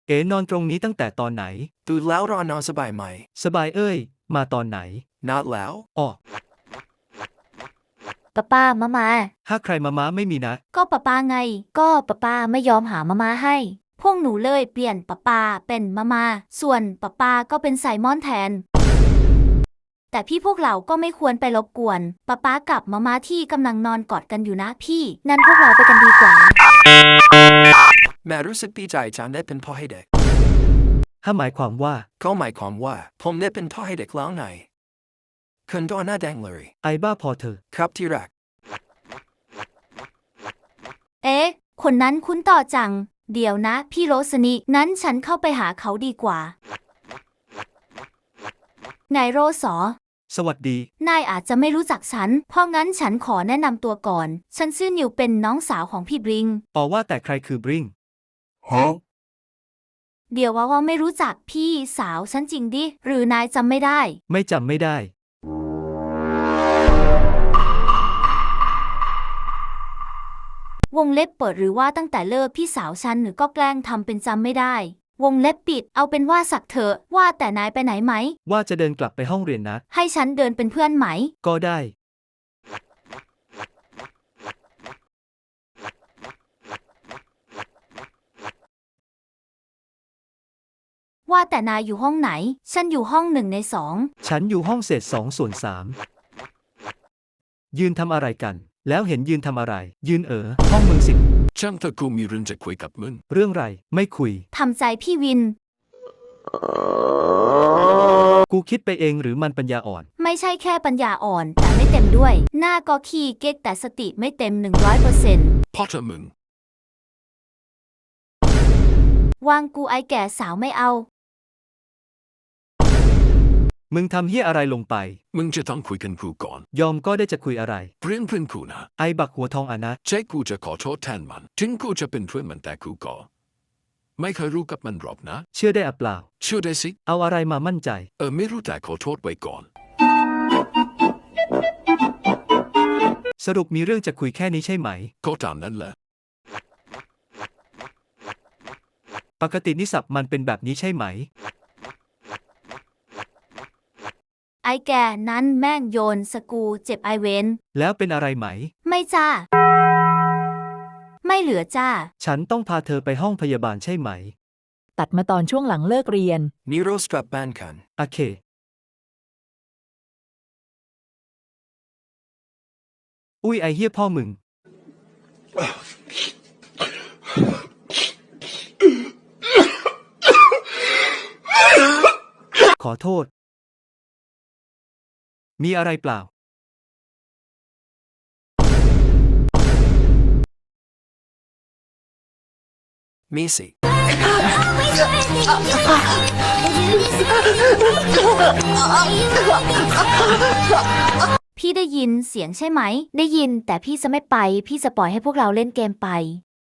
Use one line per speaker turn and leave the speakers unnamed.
นอนตรงนี้ตั้งแต่ตอนไหน
ตื่นแล้วรอนอนสบายไหม
สบายเอ้ยมาตอนไหน
นัดแล้ว
อ้อ
ป้ามา
ถ้าใครมาม้าไม่มีนะ
ก็ป้าไง ก็ป้าไม่ยอมหามาให้ พวกหนูเลยเปลี่ยนป้าเป็นมาส่วนป้าก็เป็นไซมอนแทน แต่พี่พวกเราก็ไม่ควรไปรบกวนป้ากับมาที่กำลังนอนกอดกันอยู่นะพี่งั้นพวกเราไปกันดีกว่า
แม่รู้สึกดีใจจังได้เป็นพ่อให้เด็ก
ถ้าหมายความว่า
ก็หมายความว่าผมได้เป็นพ่อให้เด็กแล้วไงคุณตัวหน้าแดงเลย
ไอ้บ้าพอเธอ
ครับที่รัก
คนนั้นคุ้นต่อจัง เดี๋ยวนะพี่โรสนีนั้นฉันเข้าไปหาเขาดีกว่านายโรส
สวัสดี
นายอาจจะไม่รู้จักฉัน เพราะงั้นฉันขอแนะนำตัวก่อน ฉันชื่อนิวเป็นน้องสาวของพี่บริง
ว่าแต่ใครคือบริง
เดี๋ยวว่าไม่รู้จักพี่สาวฉันจริงดิ หรือนายจำไม่ได้
ไม่จำไม่ได้
วงเล็บเปิดหรือว่าตั้งแต่เลิกพี่สาวฉันหรือก็แกล้งทำเป็นจำไม่ได้ วงเล็บปิดเอาเป็นว่าสักเถอะว่าแต่นายไปไหนไหม
ว่าจะเดินกลับไปห้องเรียนนะ
ให้ฉันเดินเป็นเพื่อนไหม
ก็ได้
ว่าแต่นายอยู่ห้องไหนฉันอยู่ห้อง1 ใน 2
ฉันอยู่ห้องเศษ2 ส่วน 3ยืนทำอะไรกันแล้วเห็นยืนทำอะไรยืนห้องมึงสิ
ช่างเธอกูมีเรื่องจะคุยกับมึง
เรื่องไรไม่คุย
ทำใจพี่วิน
กูคิดไปเองหรือมันปัญญาอ่อน
ไม่ใช่แค่ปัญญาอ่อนแต่ไม่เต็มด้วยหน้าก็ขี้เก๊กแต่สติไม่เต็ม100%
พ่อเธอมึง
วางกูไอแก่สาวไม่เอา
มึงทำเหี้ยอะไรลงไป
มึงจะต้องคุยกันกูก่อน
ยอมก็ได้จะคุยอะไร
เพื่อนกูนะ
ไอ้บักหัวทองนะ
ใช่กูจะขอโทษแทนมันถึงกูจะเป็นเพื่อนมันแต่กูก็ไม่เคยรู้กับมันหรอกนะ
เชื่อได้เปล่า
เชื่อได้สิ
เอาอะไรมามั่นใจ
ไม่รู้แต่ขอโทษไว้ก่อน
สรุปมีเรื่องจะคุยแค่นี้ใช่ไหม
ก็ตามนั้นแหละ
ปกตินิสัยมันเป็นแบบนี้ใช่ไหม
ไอแกนั้นแม่งโยนสกูเจ็บไอเวน
แล้วเป็นอะไรไหม
ไม่จ้าไม่เหลือจ้า
ฉันต้องพาเธอไปห้องพยาบาลใช่ไหม
ตัดมาตอนช่วงหลังเลิกเรียน
นิโรสกลับบ้านกัน
โอเคอุ้ยไอเหี้ยพ่อมึงขอโทษมีอะไรเปล่า
มีสิ
พี่ได้ยินเสียงใช่ไหมได้ยินแต่พี่จะไม่ไปพี่จะปล่อยให้พวกเราเล่นเกมไป